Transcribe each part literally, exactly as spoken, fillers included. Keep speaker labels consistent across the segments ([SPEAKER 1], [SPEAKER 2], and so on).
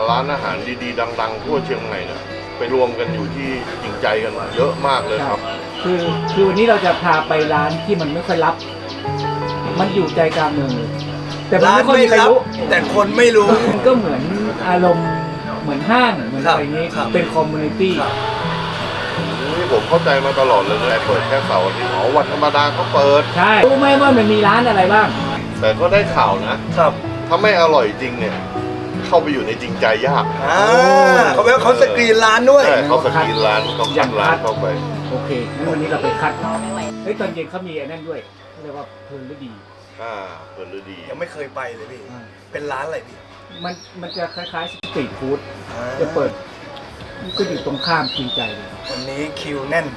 [SPEAKER 1] ร้านอาหารดีๆดังๆทั่วเชียงใหม่เนี่ยไปรวมกันอยู่ที่จริงใจกันเยอะมากเลยครับ
[SPEAKER 2] คือคือวันนี้เราจะพาไปร้านที่มันไม่ค่อยรับมันอยู่ใจกลางเมืองเลยแต่มันไม่ค่อยมีใครรู้
[SPEAKER 3] แต่คนไม่รู้
[SPEAKER 2] มันก็เหมือนอารมณ์เหมือนห้างเหมือนอะไรนี้เป็นคอมมูนิตี้
[SPEAKER 1] นี่ผมเข้าใจมาตลอดเลยแต่เปิดแค่เสาร์อาทิตย์อ๋อวันธรรมดาก็เปิด
[SPEAKER 2] ใช่รู้ไหมว่ามันมีร้านอะไรบ้าง
[SPEAKER 1] แต่ก็ได้ข่าวนะครับถ้าไม่อร่อยจริงเนี่ยเข้าไปอยู่ในจริงใจยาก
[SPEAKER 3] อ่าเขาเป็นเขาสกรีนร้านด้วย
[SPEAKER 1] ใช่เขาสกรีนร้านเขาคัดร้านเข้าไป
[SPEAKER 2] โอเคงั้นวันนี้เราไปคัดเฮ้ยตอนเย็นเขามีไอ้นั่นด้วยเรียกว่าเพลินฤดี
[SPEAKER 1] อ่าเพลินฤดี
[SPEAKER 3] ยังไม่เคยไปเลยพี่เป็นร้านอะไรพี่
[SPEAKER 2] มันมันจะคล้ายๆสตรีทฟู้ดจะเปิดก็อยู่ตรงข้ามจริงใจเลย
[SPEAKER 3] วันนี้คิวแน่น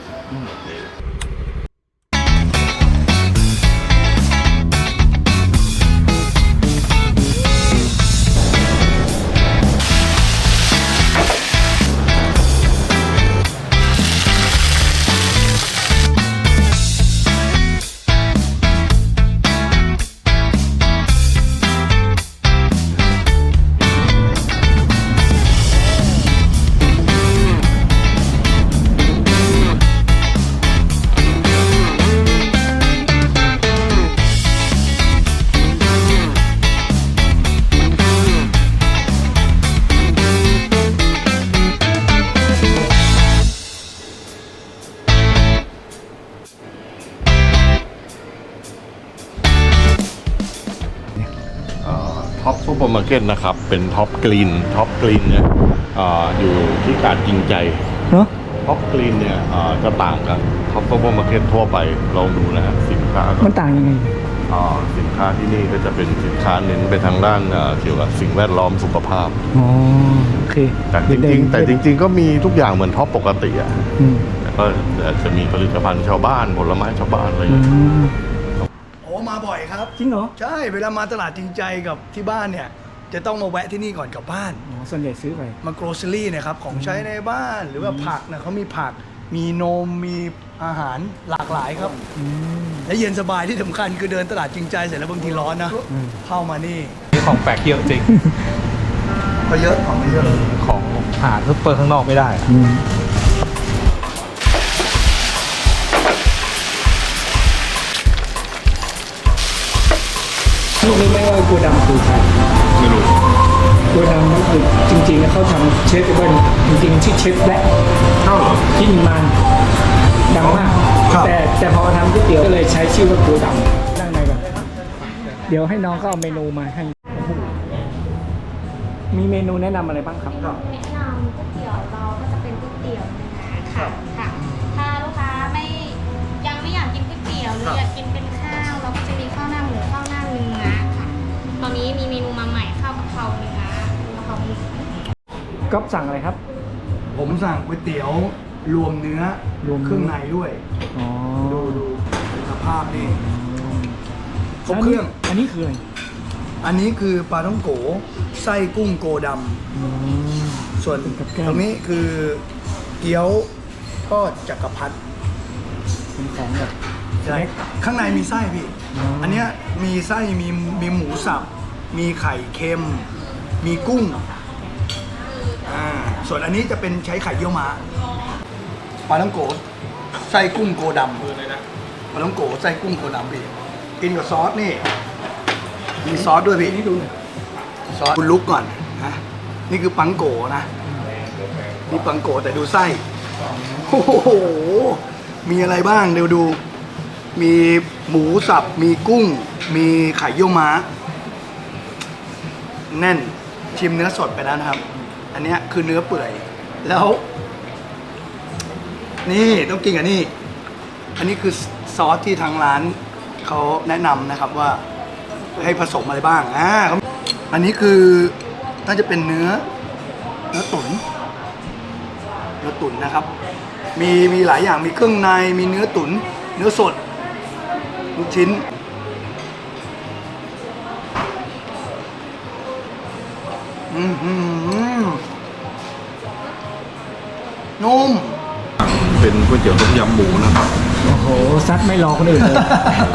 [SPEAKER 1] ท็อปซูเปอร์มาร์เก็ตนะครับเป็นท็อปกรีนท็อปกรีนเนี่ยอยู่ที่กาดจริงใจ
[SPEAKER 2] เนาะ
[SPEAKER 1] ท็อปกรีนเนี่ยจะต่างกันท็อปซูเปอร์มาร์เก็ตทั่วไปลองดูนะฮะสินค้า
[SPEAKER 2] มันต่างยังไง
[SPEAKER 1] สินค้าที่นี่ก็จะเป็นสินค้าเน้นไปทางด้านเกี่ยวกับสิ่งแวดล้อมสุขภาพ
[SPEAKER 2] อ๋อโอเค
[SPEAKER 1] แต่จริงๆแต่จริงๆก็มีทุกอย่างเหมือนท็อปปกติอ่ะแต่ก็จะมีผลิตภัณฑ์ชาวบ้านผลไม้ชาวบ้านอะไรอย่างเงี้ย
[SPEAKER 3] โอ้มาบ่อยครับ
[SPEAKER 2] จริงเหรอ
[SPEAKER 3] ใช่เวลามาตลาดจริงใจกับที่บ้านเนี่ยจะต้องมาแวะที่นี่ก่อนกลับบ้าน
[SPEAKER 2] อ๋อส่วนใหญ่ซื้อไป
[SPEAKER 3] มาโกลเซอรี่นะครับของใช้ในบ้านหรือว่าผักนะเขามีผักมีนมมีอาหารหลากหลายครับและเย็นสบายที่สำคัญคือเดินตลาดจริงใจเสร็จแล้วบางทีร้อนนะเข้ามานี่
[SPEAKER 4] นี่ของแปลกเยอะจริง
[SPEAKER 3] ก็เยอะของเยอะ
[SPEAKER 4] ของหาซุปเปอร์ข้างนอกไม่ได้
[SPEAKER 2] รู้ไหมว่ากูดำคือใคร
[SPEAKER 1] ไม่รู้
[SPEAKER 2] กูดำนั่นคือจริงๆแล้วเขาทำเชฟเบิ้ลจริงๆชื่อเชฟแบล็ค
[SPEAKER 1] เท่าเหรอ
[SPEAKER 2] ที่นิมานดังมากแต่แต่พอทำก๋วยเตี๋ยวก็เลยใช้ชื่อว่ากูดำนั่งในก่อนเดี๋ยวให้น้องก็เอาเมนูมาให้มีเมนูแนะนำอะไรบ้างครับ
[SPEAKER 5] แนะนำก๋วยเตี๋ยวเราก็จะเป็นก๋วยเตี๋ยวเนื้อค่ะค่ะถ้าลูกค้าไม่ยังไม่อยากกินก๋วยเตี๋ยวหรืออยากกินเป็นข้าวเราก็จะมีข้าวหน้าหมูข้าวหน้าเนื้อค่ะตอนนี้มีเมนูมาใหม่ข้าวกะเพราเนื้อกะเพราหมู
[SPEAKER 2] ก๊อฟสั่งอะไรครับ
[SPEAKER 3] ผมสั่งก๋วยเตี๋ยวรวมเนื้อรวมเครื่องในด้วยดูดูสภาพนี่ครบเครื่อง
[SPEAKER 2] อันนี้คืออะไร
[SPEAKER 3] อันนี้คือปลาท่องโกไส้กุ้งโกดำส่วนตรงนี้คือเกี๊ยวทอดจักรพรรดิ
[SPEAKER 2] เป็นของแบบ
[SPEAKER 3] ใช่ข้างในมีไส้พี่อันนี้มีไส้มีมีหมูสับมีไข่เค็มมีกุ้งอ่าส่วนอันนี้จะเป็นใช้ไข่เยี่ยวม้าปลาท่องโกไส้กุ้งโกดำปลาท่องโกไส้กุ้งโกดำพี่กินกับซอสนี่มีซอสด้วยพี่นี่ดูซอสคุณลุกก่อนนะนี่คือปังโกนะนี่ปังโกแต่ดูไส้โอ้โหมีอะไรบ้างเดี๋ยวดูมีหมูสับมีกุ้งมีไข่เยี่ยวม้าแน่นชิมเนื้อสดไปแล้วนะครับอันนี้คือเนื้อเปื่อยแล้วนี่ต้องกินกับนี่อันนี้คือซอสที่ทางร้านเขาแนะนำนะครับว่าให้ผสมอะไรบ้างอ่าอันนี้คือน่าจะเป็นเนื้อเนื้อตุ๋นเนื้อตุ๋นนะครับมีมีหลายอย่างมีเครื่องในมีเนื้อตุ๋นเนื้อสดลูกชิ้นอืมอืมนุ่ม
[SPEAKER 1] เป็นก๋วยเตี๋ยวต้มยำหมูนะครับ
[SPEAKER 2] โอ้โหซัดไม่รอคนอื่นเลย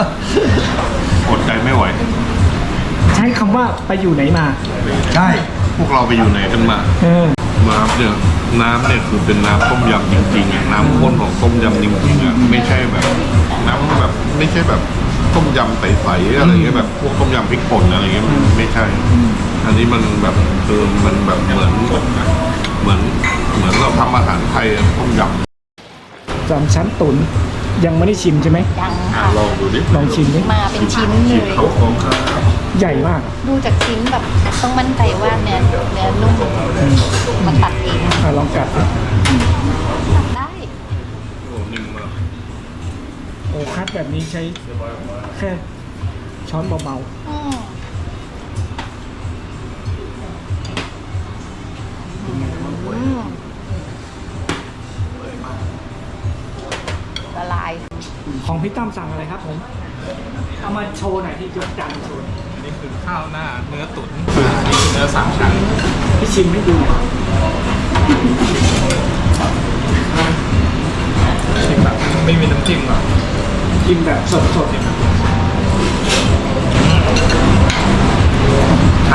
[SPEAKER 1] อดใจไม่ไหว
[SPEAKER 2] ใช้คำว่าไปอยู่ไหนมา
[SPEAKER 3] ใช่
[SPEAKER 1] พวกเราไปอยู่ไหนกันมา
[SPEAKER 2] เออ
[SPEAKER 1] น้ำเนี่ยน้ำเนี่ยคือเป็นน้ำต้มยำจริงๆอ่ะน้ำข้นของต้มยำจริงๆอ่ะไม่ใช่แบบน้ำแบบไม่ใช่แบบต้มยำใสๆอะไรเงี้ยแบบพวกต้มยำพริกป่นอะไรเงี้ยมันไม่ใช่ อันนี้มันแบบคือมันแบบเหมือนเหมือนเหมือนเหมือนเราทำอาหารไทยอะต้มยำ
[SPEAKER 2] สามชั้นตุ๋นยังไม่ได้ชิมใช่ไหม
[SPEAKER 6] ยัง
[SPEAKER 1] อ่ะ
[SPEAKER 6] ค่ะ
[SPEAKER 1] ลองดูดิ
[SPEAKER 2] ลองชิมดิ
[SPEAKER 6] มาเป็นชิ้นเลย
[SPEAKER 1] เขาของข้าว
[SPEAKER 2] ใหญ่มาก
[SPEAKER 6] ดูจากชิ้นแบบต้องมั่นใจว่าเนื้อเนื้อนุ่มมันตัดเอง
[SPEAKER 2] อ่ะลองกัดดิ
[SPEAKER 6] ตัดได้
[SPEAKER 1] โอ้นิ่มมาก
[SPEAKER 2] โอ้คัดแบบนี้ใช้แค่ช้อนเบา
[SPEAKER 6] อืมอืมละลาย
[SPEAKER 2] ๆของพี่ตั้มสั่งอะไรครับผมเอามาโชว์หน่อยที่ยกจานโชว์หน่อย
[SPEAKER 4] นี่คือข้าวหน้าเนื้อตุ๋นนี่คือเนื้อสามชั้น
[SPEAKER 2] พี่ชิมให้ดูหน่อย
[SPEAKER 4] ชิมแบบไม่มีน้ำจิ้มหรอก
[SPEAKER 2] กินแบบสดๆเนี่ย
[SPEAKER 4] ฉ่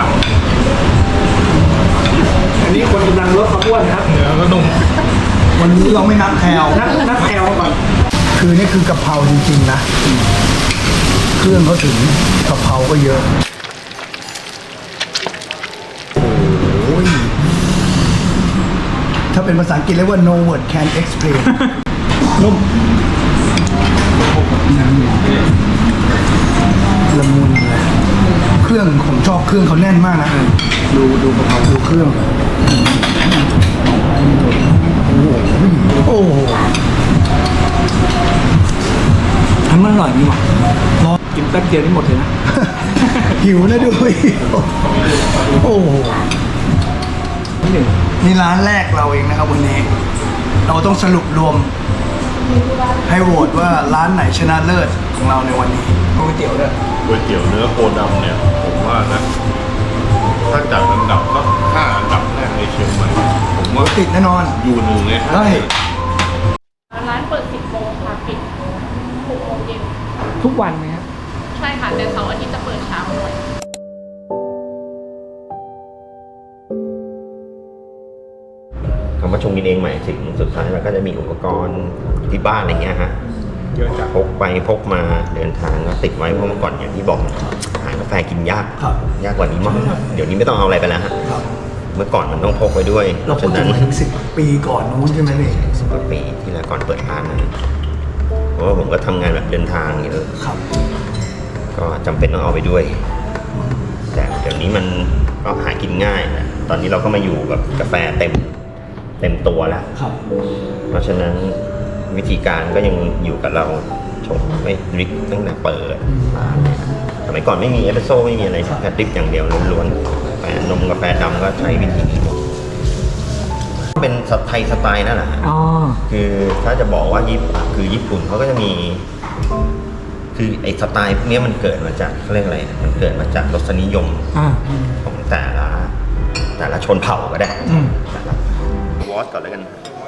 [SPEAKER 2] อันนี้คนกำลังลดความอ้วนนะครับ
[SPEAKER 4] ำเนื้อก็นุ่ม
[SPEAKER 3] วันนี้เราไม่นับแคล
[SPEAKER 2] นักนักแคลก่อน
[SPEAKER 3] คือนี่คือกะเพราจริงๆนะ เครื่องเขาถึงกะเพราก็เยอะ โอ้ย ถ้าเป็นภาษาอังกฤษเรียกว่า no word can explain
[SPEAKER 2] นุ่ม
[SPEAKER 3] ละมุนเลยเครื่องผมชอบเครื่องเขาแน่นมากนะ ดูดูกะเพราดูเครื่อง โอ้โหโอ้โหทำมันอร่อยนี่หว่า
[SPEAKER 2] กินแป๊บเดียวนี่หมดเลยนะ
[SPEAKER 3] หิวนะด้วย โอ้โห
[SPEAKER 2] หนึ่ง
[SPEAKER 3] นี่ร้านแรกเราเองนะครับวันนี้ เราต้องสรุปรวม ให้โหวตว่าร้านไหนชนะเลิศของเราในวันนี้ก๋วยเตี๋ยวด้วย
[SPEAKER 1] ก๋วยเตี๋ยวเนื้อโคดำเนี่ยผมว่านะถ้าจัดอันดับก็ห้าอันดับแรกในเชียงใหม่ผมว่า
[SPEAKER 3] ติดแน่นอน
[SPEAKER 1] อยู่หนึ่งในห้า
[SPEAKER 3] ได้
[SPEAKER 5] ร้านเปิดสิบโมงค่ะปิดหกโมงเย็น
[SPEAKER 2] ทุกวันไหมครับ
[SPEAKER 5] ใช่ค่ะแต่เสาร์อาทิตย์จะเปิดเช้าหน่อย
[SPEAKER 7] คำว่าชงกินเองหมายถึงสุดท้ายเราก็จะมีอุปกรณ์ที่บ้านอะไรเงี้ยฮะ
[SPEAKER 4] เยอะจัด
[SPEAKER 7] พกไปพกมาเดินทางก็ติดไว้เพราะเมื่อก่อนอย่างที่บอกหากาแฟกินยาก
[SPEAKER 3] ครับ
[SPEAKER 7] ยากกว่านี้มากเดี๋ยวนี้ไม่ต้องเอาอะไรไปแล้วฮะ
[SPEAKER 3] ครับ
[SPEAKER 7] เมื่อก่อนมันต้องพกไว้ด้วย
[SPEAKER 3] เรา
[SPEAKER 7] เพ
[SPEAKER 3] พูด
[SPEAKER 7] ราะฉะ
[SPEAKER 3] ถึ
[SPEAKER 7] นั้
[SPEAKER 3] ง
[SPEAKER 7] น
[SPEAKER 3] มาถึงสิบปีก่อนนู้นใช่ไหมพี่
[SPEAKER 7] สิบกว่าปีที่แล้วก่อนเปิดร้านนั้นเพราะว่าผมก็ทำงานแบบเดินทางเยอะ
[SPEAKER 3] ครับ
[SPEAKER 7] ก็จำเป็นต้องเอาไปด้วย แต่เดี๋ยวนี้มันก็หากินง่ายนะตอนนี้เราก็มาอยู่กับกาแฟเต็มเต็มตัวแล้ว
[SPEAKER 3] ครับ
[SPEAKER 7] เพราะฉะนั้นวิธีการก็ยังอยู่กับเราชงไม่ดริปตั้งแต่เปิดร้านเลยสมัยก่อนไม่มีเอสเปรสโซ่ไม่มีอะไรแค่ดริปอย่างเดียวล้วนๆกาแฟนมกาแฟดำก็ใช้วิธีนี้หมดเป็นสไตล์สไตล์นั่นแหละฮะ
[SPEAKER 2] อ๋อ
[SPEAKER 7] คือถ้าจะบอกว่าญี่ปุ่นคือญี่ปุ่นเขาก็จะมี คือไอ้สไตล์พวกนี้มันเกิดมาจากเขาเรียกอะไรมันเกิดมาจากรสนิยม
[SPEAKER 2] อ่า
[SPEAKER 7] ของแต่ละแต่ละชนเผ่าก็ได้
[SPEAKER 2] อืม
[SPEAKER 7] แต่ละวอสก่อนแล้วกัน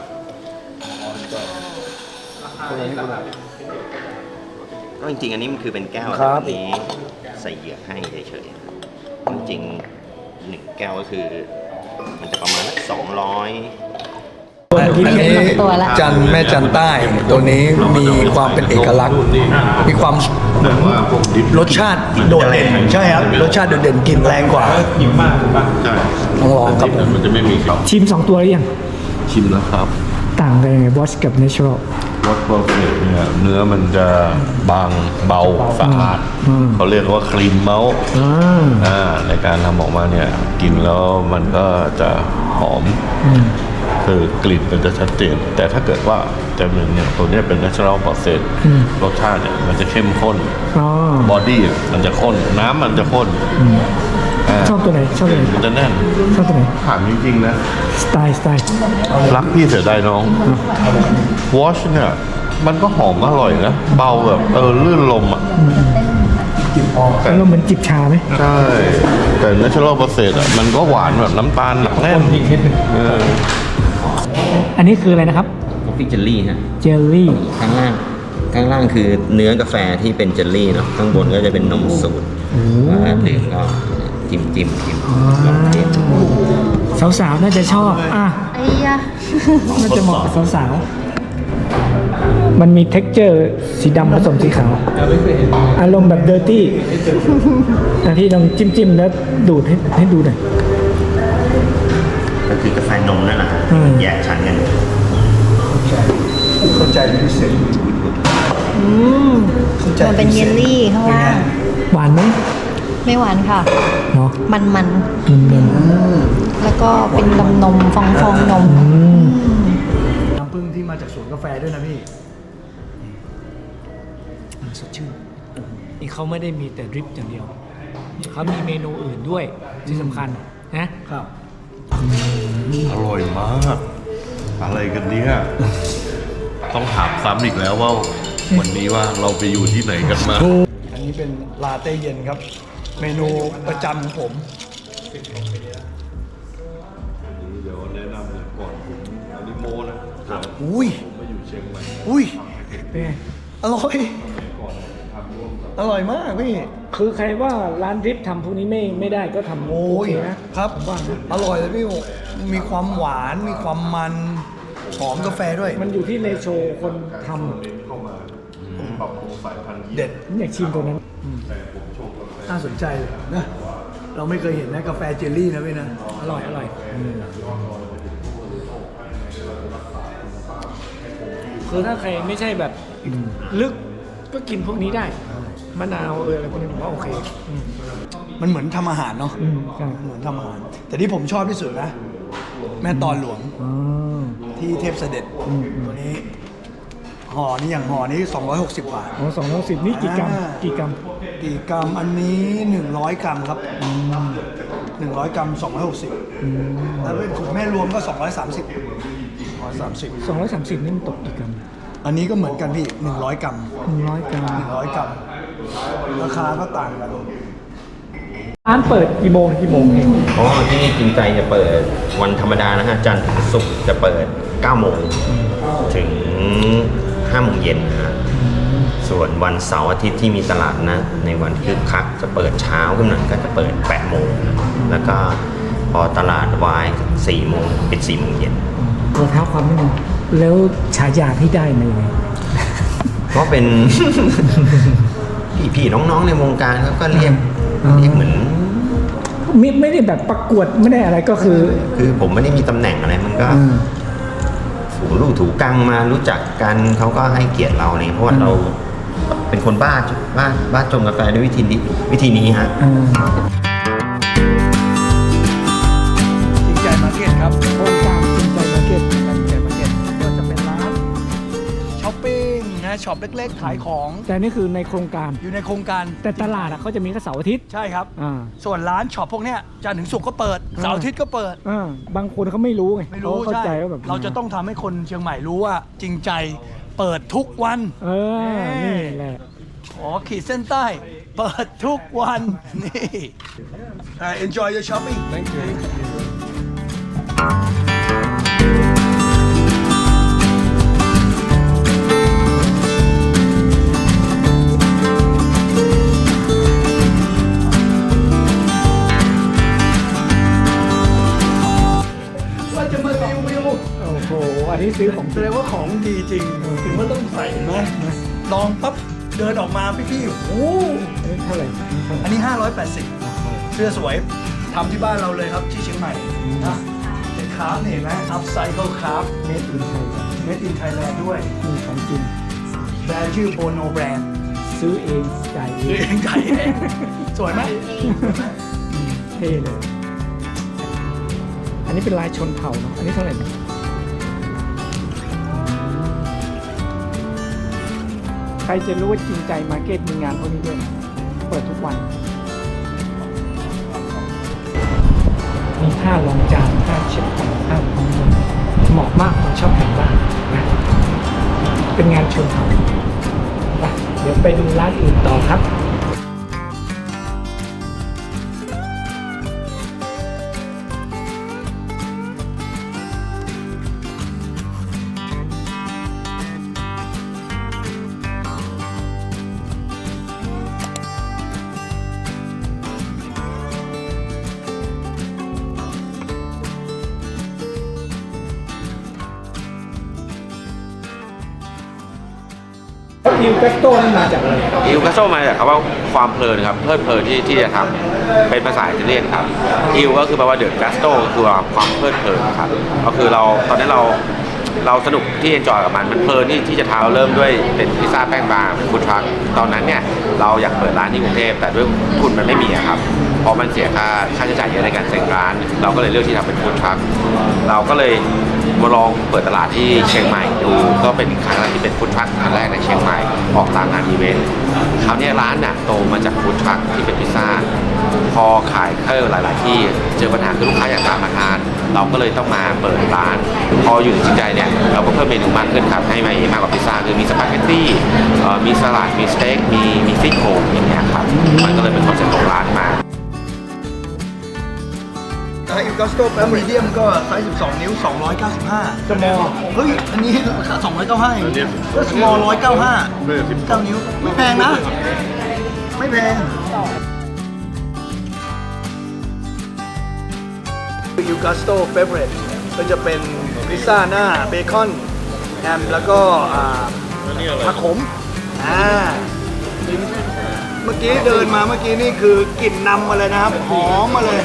[SPEAKER 7] ก็จริงๆอันนี้มันคือเป็นแก้ว
[SPEAKER 3] ครั
[SPEAKER 7] แต่
[SPEAKER 3] บ
[SPEAKER 7] วันนี้ใส่เหยือกให้เฉยๆจริงๆหนึ่งแก้วก็คือ มันจะประมาณสองร้อย
[SPEAKER 3] อันนี้จันแม่จันใต้ ตัวนี้มีความเป็นเอกลักษณ์ มีความ
[SPEAKER 1] แต่ว่าพวกดิบ
[SPEAKER 3] รสชาติโดดเด่น ใช่ครับ รสชาติโดดเด่นกลิ่นแรงกว่า
[SPEAKER 4] หิวมากถูกปะ
[SPEAKER 1] ใช่
[SPEAKER 3] ต้องลองครับผม
[SPEAKER 1] มันจะไม่มีครับ
[SPEAKER 2] ชิมสองตัวหรือยัง
[SPEAKER 1] ชิมแล้วครับ
[SPEAKER 2] ต่างกันยังไงบอสกับเนเชอรัล
[SPEAKER 1] รสโปรเฟสเนี่ยเนื้อมันจะบางเบาสะอาด
[SPEAKER 2] อืม
[SPEAKER 1] เขาเรียกว่าคลีนเมาส์
[SPEAKER 2] อ่า
[SPEAKER 1] อ่าในการทำออกมาเนี่ยกินแล้วมันก็จะหอม
[SPEAKER 2] อืม
[SPEAKER 1] คือกลิ่นมันจะชัดเจน แต่ถ้าเกิดว่าแต่หนึ่งเนี่ยตัวเนี้ยเป็น natural process
[SPEAKER 2] อืม
[SPEAKER 1] รสชาติเนี่ยมันจะเข้มข้น
[SPEAKER 2] อ๋อบ
[SPEAKER 1] อดี้มันจะข้น น้ำมันจะข้นา
[SPEAKER 2] ชอบตัวไหนชอบตัวไหน
[SPEAKER 1] มันจะแน่น
[SPEAKER 2] ชอบตัวไหน
[SPEAKER 1] ถามจริงๆนะ
[SPEAKER 2] สไตล์สไตล์
[SPEAKER 1] รักพี่เสียดายน้องวอชเนี่ยมันก็หอมอร่อยนะ เบาแบบเออลื่นลมอ่ะแต่
[SPEAKER 2] แล้วเหมือนจิบชาไหม
[SPEAKER 1] ใช่ แต่ natural process อ่ะมันก็หวานแบบน้ำตาลหนักแน่น
[SPEAKER 4] อีกนิดนึง
[SPEAKER 1] เออ
[SPEAKER 2] อันนี้คืออะไรนะครับ
[SPEAKER 7] คอฟฟี่เจลลี่ฮะ
[SPEAKER 2] เจลลี่
[SPEAKER 7] ข้างล่างข้างล่างคือเนื้อกาแฟที่เป็นเจลลี่เนาะข้างบนก็จะเป็นนมสูตรว่าดื่มก็จิ้มจิ้มจิ้ม
[SPEAKER 2] สาวๆน่าจะชอบอ่ะ
[SPEAKER 6] ไอ้ยะ
[SPEAKER 2] น่าจะเหมาะกับสาวๆมันมี เท็กเจอร์ สีดำผสมสีขาวอารมณ์แบบเดอร์ตี้อันที่ลองจิ้มๆแล้วดูดให้ให้ดูหน่อย
[SPEAKER 7] ก็คือกาแฟนมนั่นแหละ
[SPEAKER 2] อืม
[SPEAKER 7] แยกชั้นกัน
[SPEAKER 3] เข้าใจเป็นพิเศษ
[SPEAKER 6] อืม
[SPEAKER 3] เข้าใจ
[SPEAKER 6] มันเป็นเยลลี่ข้างล่าง
[SPEAKER 2] หวานไหม
[SPEAKER 6] ไม่หวานค่ะ
[SPEAKER 2] เนาะ
[SPEAKER 6] มันมัน
[SPEAKER 2] มันเนียน
[SPEAKER 6] ๆแล้วก็เป็นนมนมฟองฟองนม
[SPEAKER 2] อืม
[SPEAKER 3] น้ำผึ้งที่มาจากสวนกาแฟด้วยนะพี่สดชื่น
[SPEAKER 2] นี่เขาไม่ได้มีแต่ดริปอย่างเดียว เขามีเมนูอื่นด้วยที่สำคัญนะครับ
[SPEAKER 1] อร่อยมาก อะไรกันเนี่ยต้องถามซ้ำอีกแล้วว่า วันนี้ว่าเราไปอยู่ที่ไหนกันมา
[SPEAKER 3] อันนี้เป็นลาเต้เย็นครับ เมนูประจำของผม
[SPEAKER 1] เดี๋ยวแนะนำเลยก่อนผมอันนี้โมนะถาม
[SPEAKER 3] อุ้ย
[SPEAKER 1] ผมมาอยู่เชียงใหม่
[SPEAKER 3] อุ้ย
[SPEAKER 2] เป็นไง
[SPEAKER 3] อร่อย อร่อยมากพี่
[SPEAKER 2] คือใครว่าร้านดริปทำพวกนี้ไม่ไม่ได้ก็ทำ
[SPEAKER 3] โอ้ย
[SPEAKER 2] เคนะครับ ผมว่านะ
[SPEAKER 3] อร่อยเลยพี่ มีความหวาน มีความมัน หอมกาแฟด้วย
[SPEAKER 2] มันอยู่ที่เรโชคนท
[SPEAKER 1] เข้ามาปรับปรุงสายพันธุ์
[SPEAKER 3] เด็ด
[SPEAKER 2] ำผมอยากชิมตัวนั้น
[SPEAKER 3] น่าสนใจเลยนะ เราไม่เคยเห็นนะกาแฟเจลลี่นะพี่นะ
[SPEAKER 2] อร่อยอร่อยคือถ้าใครไม่ใช่แบบลึกก็กินพวกนี้ได้มะนาวเอออะไรพวกนี้ผมว่าโอเคอืม
[SPEAKER 3] มันเหมือนทำอาหารเนาะ
[SPEAKER 2] อืมใช่
[SPEAKER 3] เหมือนทำอาหาร แต่ที่ผมชอบที่สุดนะ แม่ตอนหลวง
[SPEAKER 2] อ๋อ
[SPEAKER 3] ที่เทพเสด็จ
[SPEAKER 2] อืม
[SPEAKER 3] ตัวนี้ห่อนี้อย่างห่อนี้สองร้อยหกสิบบาท
[SPEAKER 2] อ๋อสองร้อยสิบนี่กี่กรัม
[SPEAKER 3] อ่า
[SPEAKER 2] กี่กรัม
[SPEAKER 3] กี่กรัมอันนี้หนึ่งร้อยกรัมครับหนึ่งร้อยกรัมสองร้อยหกสิบแล้วเป็นถุงแม่รวมก็สองร้อยสามสิบร้อยสามสิบ
[SPEAKER 2] สองร้อยสามสิบนี่มันตกกี่กรัม
[SPEAKER 3] อันนี้ก็เหมือนกันพี่หนึ่งร้อยกรัม
[SPEAKER 2] หนึ่งร้อยกรัม
[SPEAKER 3] หนึ่งร้อยกรัมราคาก็ต่างกัน
[SPEAKER 2] ร้านเปิดกี่โมงถึงกี่โมงเอง
[SPEAKER 7] อ๋อที่นี่จริงใจจะเปิดวันธรรมดานะฮะจันทร์ถึงศุกร์จะเปิดเก้าโมงถึงห้าโมงเย็นนะฮะส่วนวันเสาร์อาทิตย์ที่มีตลาดนะในวันคึกคักจะเปิดเช้าขึ้นหน่อยก็จะเปิดแปดโมงนะแล้วก็พอตลาดวายสี่โมงปิดสี่โมงเย็น
[SPEAKER 2] ขอเท้าความนิดนึงแล้วฉายาที่ได้มายังไง
[SPEAKER 7] ก็เป็น พี่ๆน้องๆในวงการเขาก็เรียก
[SPEAKER 2] อืม
[SPEAKER 7] เรียกเหมือน
[SPEAKER 2] ไม่ไม่ได้แบบประกวดไม่ได้อะไรก็คือ
[SPEAKER 7] คือผมไม่ได้มีตำแหน่งอะไรมันก็
[SPEAKER 2] อืม
[SPEAKER 7] ถูลู่ถูกังมารู้จักกันเขาก็ให้เกียรติเราเนี่ยเพราะว่าเราเป็นคนบ้าบ้าบ้าจงกาแฟด้วยวิธีนี้วิธีนี้ฮะ
[SPEAKER 2] อ่า
[SPEAKER 3] จริงใจมาร์เก็ตครับ
[SPEAKER 2] โครงการจริงใจมาร์เก็ต
[SPEAKER 3] จริงใจมาร์เก็ตก็จะเป็นร้านช้อปปิ้งนะช็อปเล็กๆ ขายของ
[SPEAKER 2] แต่นี่คือในโครงการ
[SPEAKER 3] อยู่ในโครงการ
[SPEAKER 2] แต่ตลาดอะเขาจะมีแค่เสาร์อาทิตย์
[SPEAKER 3] ใช่ครับ
[SPEAKER 2] อ่า
[SPEAKER 3] ส่วนร้านช็อปพวกเนี้ยจันทร์ถึงศุกร์ก็เปิดเสาร์อาทิตย์ก็เปิด
[SPEAKER 2] อ่าบางคนเขาไม่รู้ไง
[SPEAKER 3] ไม่รู้
[SPEAKER 2] เขาเข้า
[SPEAKER 3] ใช่
[SPEAKER 2] ใจว่าแบบ
[SPEAKER 3] เราจะต้องทำให้คนเชียงใหม่รู้ว่าจริงใจเปิดทุกวัน
[SPEAKER 2] เออนี่แหละ
[SPEAKER 3] ขอขีดเส้นใต้ เปิดทุกวัน นี่ Uh, enjoy your shopping thank you ว่าจะมารีวิว
[SPEAKER 2] โอ้โหอันนี้ซื้อของ
[SPEAKER 3] แสดงว่าของดีจริง ถึงว่าต้องใส่ไหมลองปั๊บเดินออกมาพี่ๆโอ้โห
[SPEAKER 2] อันนี้เท่าไหร่
[SPEAKER 3] อันนี้ ห้าร้อยแปดสิบ เสื้อสวยทำที่บ้านเราเลยครับที่เชียงใหม่นะเป็นคราฟต์นี่เห็นไหม upcycle craft
[SPEAKER 2] เมตรอินไทย
[SPEAKER 3] made in Thailand ด้วย
[SPEAKER 2] มีของจริง
[SPEAKER 3] แบรนด์ชื่อ Bono Brand
[SPEAKER 2] ซื้อเองจ่ายเอ
[SPEAKER 3] เองงไก่เองสวยไหม
[SPEAKER 2] เท่เลย อันนี้เป็นลายชนเผ่าเนาะอันนี้เท่าไหร่นะใครจะรู้ว่าจริงใจมาร์เก็ตมีงานพวกนี้ด้วยนะเปิดทุกวัน มีผ้ารองจานผ้าเช็ดผ้าผ้าพรมเหมาะมากคนชอบแต่งบ้านนะเป็นงานชนเผ่าไปเดี๋ยวไปดูร้านอื่นต่อครับอิวกัสโต้นี่มาจากอะไร
[SPEAKER 8] อิลกัสโซมาจากคำว่าความเพลินครับเพลิดเพลินที่ที่จะทำเป็นภาษาอิตาเลียนครับอิลก็คือแปลว่าเดือดกัสโตก็คือความเพลิดเพลินครับก็คือเราตอนนี้เราเราสนุกที่เอนจอยกับมันมันเพลินที่ที่จะทำเราเริ่มด้วยเป็นพิซซ่าแป้งบางเป็นฟู้ดทรัคตอนนั้นเนี่ยเราอยากเปิดร้านที่กรุงเทพแต่ด้วยทุนมันไม่มีอะครับเพราะมันเสียค่าค่าใช้จ่ายเยอะในการเซ็งร้าน เราก็เลยเลือกที่ทำเป็นฟู้ดทรัคเราก็เลยมาลองเปิดตลาดที่เชียงใหม่ดูก็เป็นครั้งแรกที่เป็นฟู้ดทรัคครั้งแรกในเชียงใหม่ออกตามงานอีเวนต์คราวนี้ร้านน่ะโตมาจากฟู้ดทรัคที่เป็นพิซซ่าพอขายเข้าหลาย ๆ ที่เจอปัญหาคือลูกค้าอยากตามมาทานเราก็เลยต้องมาเปิดร้าน พออยู่ในจิตใจเนี่ยเราก็เพิ่มเมนูมากขึ้นครับให้มามากกว่าพิซซ่าคือมีสปาเกตตี้เอ่อมีสลัดมีสเต็กมีมีซี่โครงอย่างเงี้ยครับมันก็เลยเป็นคอนเซ็ปต์ของร้านมา
[SPEAKER 3] อิลกัสโตแอมริเดียมก็ไซส์สิบสองนิ้วสองร้อยเก้าสิบห้า
[SPEAKER 2] สมอล
[SPEAKER 3] เฮ้ย อันนี้ราคาสองร้อยเก้าสิบห้าเอง
[SPEAKER 1] อันเนี้ย
[SPEAKER 3] ก็สมอลหนึ่งร้อยเก้าสิบห้า
[SPEAKER 1] ไม่ใช่สิบ
[SPEAKER 3] เก้านิ้ว ไม่แพงนะ ไม่แพงอิลกัสโตเฟเวอร์ก็จะเป็นพิซซ่าหน้าเบคอนแฮมแล้วก็อ่าผักขมอ่าเมื่อกี้เดินมาเมื่อกี้นี่คือกลิ่นนำมาเลยนะครับ หอมมาเลย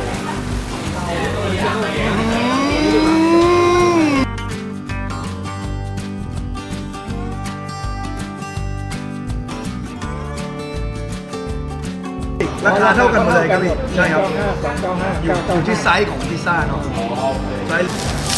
[SPEAKER 3] ราคาเท่ากันหมดเลยครับพี่ใช่ครับ
[SPEAKER 2] สองเก้าห้า
[SPEAKER 3] อยู่อยู่ที่ไซส์ของพิซซ่าเนาะไซส์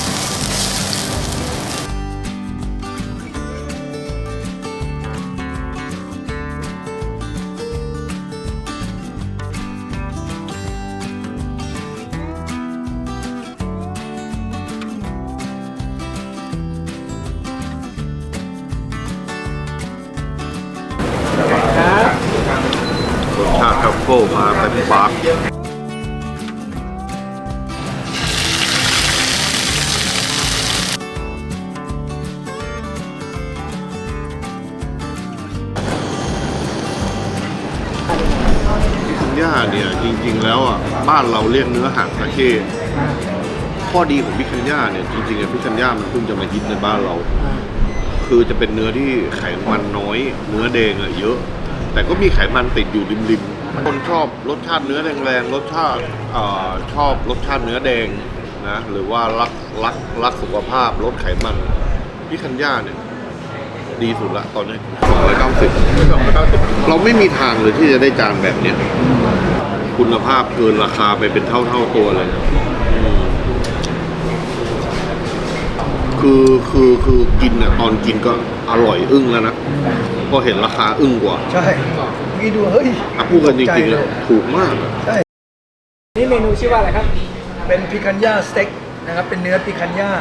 [SPEAKER 1] รสชาติทัฟเฟิลมาเป็นปาก พิคันย่าเนี่ยจริงๆแล้วอ่ะบ้านเราเรียกเนื้อหางตะเข้ข้อดีของพิคันย่าเนี่ยจริงๆอะพิคันย่ามันเพิ่งจะมาฮิตในบ้านเรา คือจะเป็นเนื้อที่ไขมันน้อย เนื้อแดงอะเยอะ แต่ก็มีไขมันติดอยู่ริมๆคนชอบรสชาติเนื้อแรงๆรสชาติอ่าชอบรสชาติเนื้อแดงนะหรือว่ารักรักรักสุขภาพลดไขมันพิคันย่าเนี่ยดีสุดละตอนนี้สองร้อยเก้าสิบเราไม่มีทางเลยที่จะได้จานแบบเนี้ยคุณภาพเกินราคาไปเป็นเท่าเท่าตัวเลยอืมคือคือคือกินอ่ะตอนกินก็อร่อยอึ้งแล้วนะพอเห็นราคาอึ้งกว่า
[SPEAKER 3] ใช่เมื่อกี้ดูเฮ้ย
[SPEAKER 1] อ่ะพูดกันจริงๆเลยถูกมากอะ
[SPEAKER 3] ใช่
[SPEAKER 2] นี่เมนูชื่อว่าอะไรครับ
[SPEAKER 3] เป็นพิคันย่าสเต็กนะครับ เป็นเนื้อพิคันย่า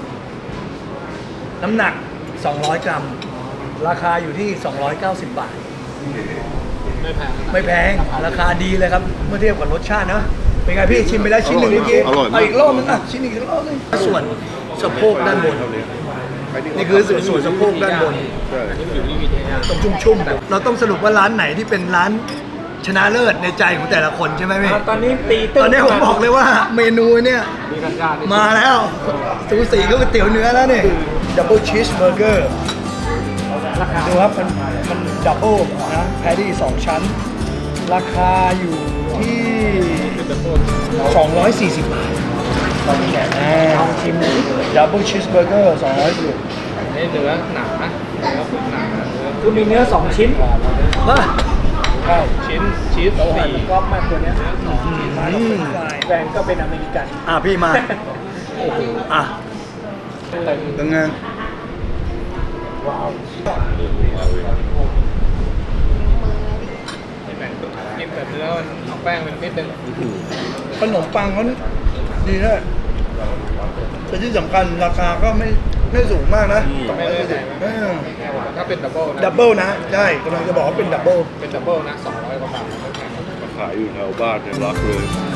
[SPEAKER 3] น้ำหนัก สองร้อย กรัม ราคาอยู่ที่ สองร้อยเก้าสิบ บาท
[SPEAKER 4] ไม่แพง
[SPEAKER 3] ไม่แพง ราคาดีเลยครับ เมื่อเทียบกับรสชาตินะ เป็นไงพี่ชิมไปแล้วชิ้นหนึ่งเมื่อกี้
[SPEAKER 1] อร่อยมาก
[SPEAKER 3] เอาอีกรอบนึงอ่ะ ชิ้นอีกรอบนึงส่วนสะโพกด้านบน นี่คือส่วนส่วนสะโพกด้านบน
[SPEAKER 1] ใช่
[SPEAKER 3] ต้องชุ่มๆ เราต้องสรุปว่าร้านไหนที่เป็นร้านชนะเลิศในใจของแต่ละคนใช่ไหมพี่
[SPEAKER 2] ตอนนี้ตีตึ้ง
[SPEAKER 3] ตอนนี้ผมบอกเลยว่าเมนูเนี่ย
[SPEAKER 4] มีกันยา
[SPEAKER 3] มาแล้วสูสีก็ก๋วยเตี๋ยวเนื้อแล้วนี่ดับเบิลชีสเบอร์เกอร์ดูครับมันมันดับเบิลนะแพตตี้สองชั้น ราคาอยู่ที่สองร้อยสี่สิบบาทลองชิมดับเบิลชีสเบอร์เกอร์สองร้อยสิบ
[SPEAKER 4] นี่เนื้อหนานะเนื้อผมหนาเนื้อ
[SPEAKER 2] คือมีเนื้อสองชิ้น
[SPEAKER 3] มา
[SPEAKER 2] ใช่
[SPEAKER 4] ชิ้นชีส
[SPEAKER 2] เราหั่น
[SPEAKER 4] สี่
[SPEAKER 2] กรอบมากตัวเนี้ยแฟนก็เป็นอเมริกัน
[SPEAKER 3] อ่ะพี่มาอ่ะเป็นไง
[SPEAKER 2] ว้าว
[SPEAKER 4] กินแบบเนื้อมันเอาแป้งเป็นนิดนึง
[SPEAKER 3] ขนมปังเขาดีด้วยแต่ที่สำคัญราคาก็ไม่ไม่สูงมากนะ
[SPEAKER 4] ไม่ได้แพง
[SPEAKER 3] เออ
[SPEAKER 4] ถ้าเป็นดับเบิลนะ
[SPEAKER 3] ดับเบิลนะ ใช่กำลังจะบอกว่าเป็นดับเบิล
[SPEAKER 4] เป็นดับเบิลนะสองร้อยกว่าบาทไม่แพง
[SPEAKER 1] มาขายอยู่แถวบ้านเนี่ยรักเลย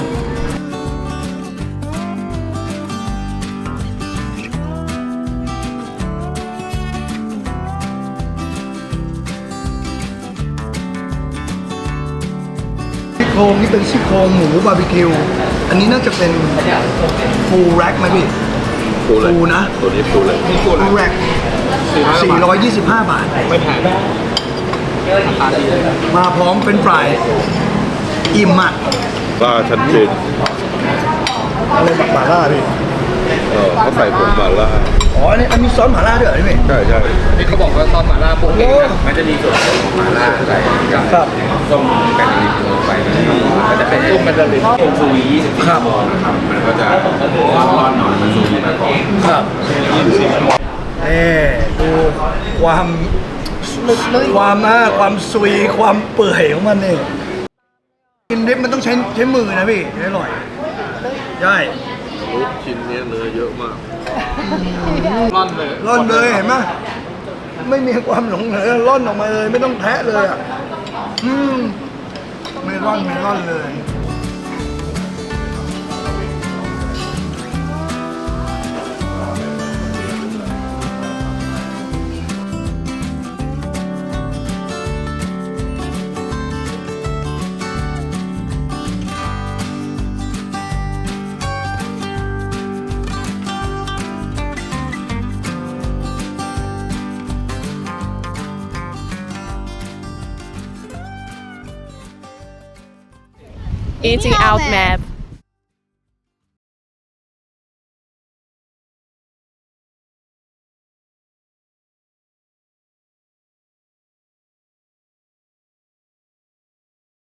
[SPEAKER 3] ซี่โครงนี่เป็นซี่โครงหมูบาร์บีคิว อันนี้น่าจะเป็นฟูลแร็กไหมพี่
[SPEAKER 1] ฟูเลย
[SPEAKER 3] ฟูนะ
[SPEAKER 1] ตัวนี้ฟูเลย
[SPEAKER 3] ฟูแร็กสี่ร้อยยี่สิบห้าบาท
[SPEAKER 4] ไม่แพงราคาดีเลย
[SPEAKER 3] มาพร้อมเป็นฟรายอิ่มอ่ะ
[SPEAKER 1] ก็ชัดเจน
[SPEAKER 3] อะไรหม่าล่าพี่
[SPEAKER 1] เออเขาใส่ผงมาล่า
[SPEAKER 3] อ๋ออันนี้อันมีซอสหม่าล่าด้วยเหรอพี่
[SPEAKER 1] ใช่ใช่
[SPEAKER 4] นี่เขาบอกว่าซอสหม่าล่าปกตินะ
[SPEAKER 8] มันจะมีส่วนผสมของหม่าล่าใส่กับ
[SPEAKER 3] ครับ
[SPEAKER 8] ส้มแป้งลิปลงไปนะครับก็จะเป็นส้มแป้งลิปต้มซูวียี่สิบสี่ชั่วโมงนะครับ มันก็จะร้อนๆหน่อยมันซูวีมาก่อน
[SPEAKER 3] ครับนี่ดูความความนะความซุยความเปื่อยของมันนี่กินดิบมันต้องใช้ใช้มือนะพี่ถึงอร่อยใช่
[SPEAKER 1] ลูกชิ้นเนี้ยเนื้อเยอะมาก
[SPEAKER 4] ร่อนเลย
[SPEAKER 3] ร่อนเลยเห็นไหมไม่มีความหลงเหลือร่อนออกมาเลยไม่ต้องแทะเลยอ่ะอืมไม่ร่อนไม่ร่อนเลย
[SPEAKER 9] Eating out map